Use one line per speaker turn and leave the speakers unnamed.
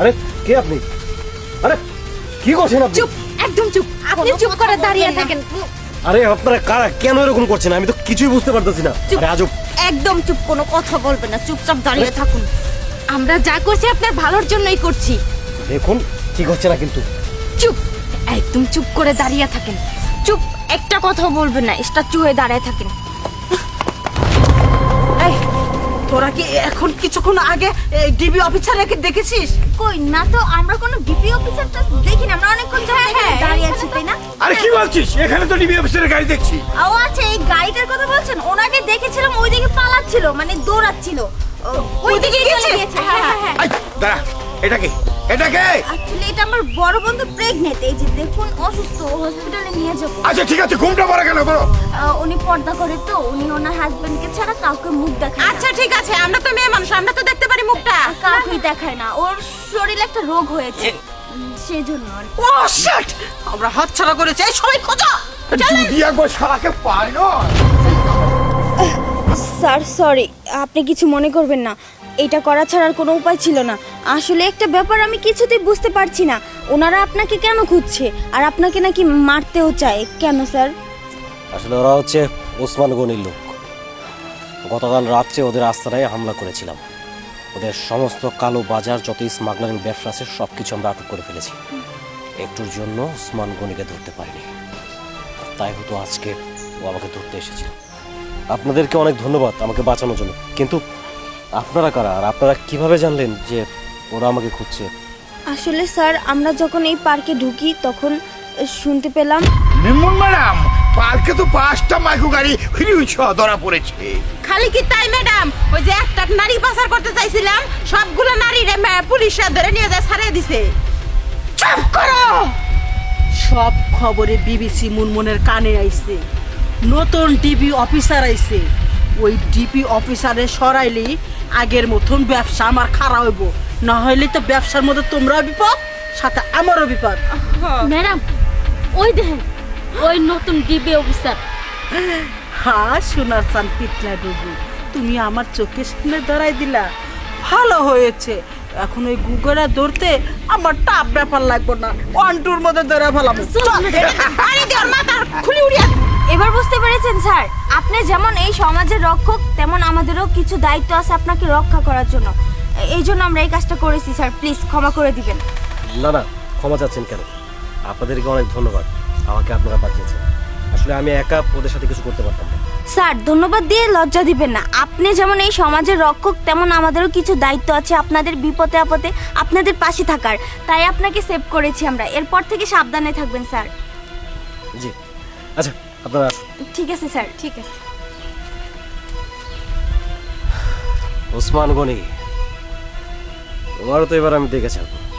আরে কে আপনি? আরে কি করছেন আপনি?
চুপ, একদম চুপ। আপনি চুপ করে দাঁড়িয়ে থাকেন।
আরে আপনারা কারা, কেন এরকম করছেন? আমি তো কিছুই বুঝতে পারতেছি না।
চুপ।
আরে আজব।
একদম চুপ, কোনো কথা বলবেন না, চুপচাপ দাঁড়িয়ে থাকুন। আমরা যা করছি আপনার ভালোর জন্যই করছি।
দেখুন ঠিক হচ্ছে না কিন্তু।
চুপ, একদম চুপ করে দাঁড়িয়ে থাকেন। চুপ, একটা কথা বলবেন না, স্ট্যাচু হয়ে দাঁড়িয়ে থাকেন।
এই তোরা কি এখন কিছুক্ষণ আগে ডিবি অফিসারকে দেখেছিস?
কই না তো, আমরা কোনো ডিপি অফিসারটা দেখি না, আমরা অনেকক্ষণ ধরে এখানে দাঁড়িয়ে আছি, তাই না?
আরে কি বলছিস? এখানে তো ডিবি অফিসারের গাড়ি দেখছি।
ও আচ্ছা, এই গাড়িটার কথা বলছেন। ওনাকে দেখেছিলাম ওইদিকে পালাচ্ছিল, মানে দৌড়াচ্ছিল। ওইদিকে চলে গেছে। হ্যাঁ হ্যাঁ হ্যাঁ।
আই দাঁড়া, এটা কি? এটা কে?
আসলে এটা আমার বড় বন্ধু প্রেগনেন্ট, এই যে দেখুন অসুস্থ, হসপিটালে নিয়ে যাবো।
আচ্ছা ঠিক আছে, ঘুমটা পড়া গেল বলো।
উনি পর্দা করে তো, উনি ওনার হাজবেন্ডকে ছাড়া কাউকে মুখ দেখায় না।
আচ্ছা ঠিক আছে, আমরা তো মেয়ে মানুষ, আমরা তো দেখতে পারি মুখটা।
কাউকেই দেখায় না, ওর শরীরে একটা রোগ হয়েছে, সেজন্য আর কি।
ও শিট, আমরা হাতছাড়া করেছি। এই সবাই খোঁজো।
যদি একবার শালাকে পাই না।
স্যার সরি, আপনি কিছু মনে করবেন না, এটা করা ছাড়ার কোনো উপায় ছিল না। আসলে একটা ব্যাপার আমি কিছুতেই বুঝতে পারছি না, ওনারা আপনাকে কেন খুঁজছে আর আপনাকে নাকি মারতেও চায় কেন স্যার?
আসলে ওরা হচ্ছে ওসমান গনির লোক। গতকাল রাত্রে ওদের আস্তানায় হামলা করেছিলাম। ওদের সমস্ত কালো বাজার, যত স্মাগলারিং ব্যবসা আছে সব কিছু আমরা আটক করে ফেলেছি। একটুর জন্য ওসমান গনিকে ধরতে পারিনি, তাই হয়তো আজকে ও আমাকে ধরতে এসেছিল। আপনাদেরকে অনেক ধন্যবাদ আমাকে বাঁচানোর জন্য, কিন্তু আপনারা কারা আর আপনারা কিভাবে জানলেন যে ওরা আমাকে খুঁজছে?
আসলে স্যার, আমরা যখন এই পার্কে ঢুকি তখন শুনতে পেলাম।
নির্মল ম্যাডাম, পার্কে তো 5টা মাইক্রো গাড়ি হিরুইছ ধরা পড়েছে।
খালি কি তাই ম্যাডাম? ওই যে একটা নারী পাচার করতে চাইছিলাম, সবগুলো নারী পুলিশরা ধরে নিয়ে যায়, ছাড়িয়ে দিছে। চুপ করো। সব খবরে বিবিসি মুনমুনের কানে আইছে, নতুন ডিবি অফিসার আইছে। ওই ডিবি অফিসারে সরাইলি আগের মতন ব্যবসা আমার খারাপ হইব, না হইলে তো ব্যবসার মধ্যে তোমরাও বিপদ, সাথে আমারও বিপদ।
ম্যাডাম, ওই দেখেন, ওই নতুন ডিবি অফিসার।
হ্যাঁ সোনার চান পিতলা ডুবু, তুমি আমার চোখের সামনে ধরাই দিলা, ভালো হয়েছে। এখন ওই গুগরা ধরতে আমার টাপ ব্যাপার লাগবে না, 1-2-র মধ্যে ধরে ফেলাম। খুলি উড়িয়া।
এবার বুঝতে পেরেছেন স্যার, আপনি যেমন এই সমাজের রক্ষক, তেমন আমাদেরও কিছু দায়িত্ব আছে আপনাকে রক্ষা করার জন্য। এই জন্য আমরা এই কাজটা করেছি স্যার, প্লিজ ক্ষমা করে দিবেন।
না না, ক্ষমা চাচ্ছেন কেন? আপনাদেরকে অনেক ধন্যবাদ, আমাকে আপনারা বাঁচিয়েছেন। আসলে আমি একা ওদের সাথে কিছু করতে পারতাম না।
স্যার ধন্যবাদ দিয়ে লজ্জা দিবেন না, আপনি যেমন এই সমাজের রক্ষক, তেমন আমাদেরও কিছু দায়িত্ব আছে আপনাদের বিপদে আপদে আপনাদের পাশে থাকার। তাই আপনাকে সেভ করেছি আমরা, এরপর থেকে সাবধানে থাকবেন স্যার।
জি আচ্ছা, আপনারা আসুন।
ঠিক আছে স্যার, ঠিক আছে।
ওসমান গনি, তোমারও তো এবার আমি দেখে ছাড়বো।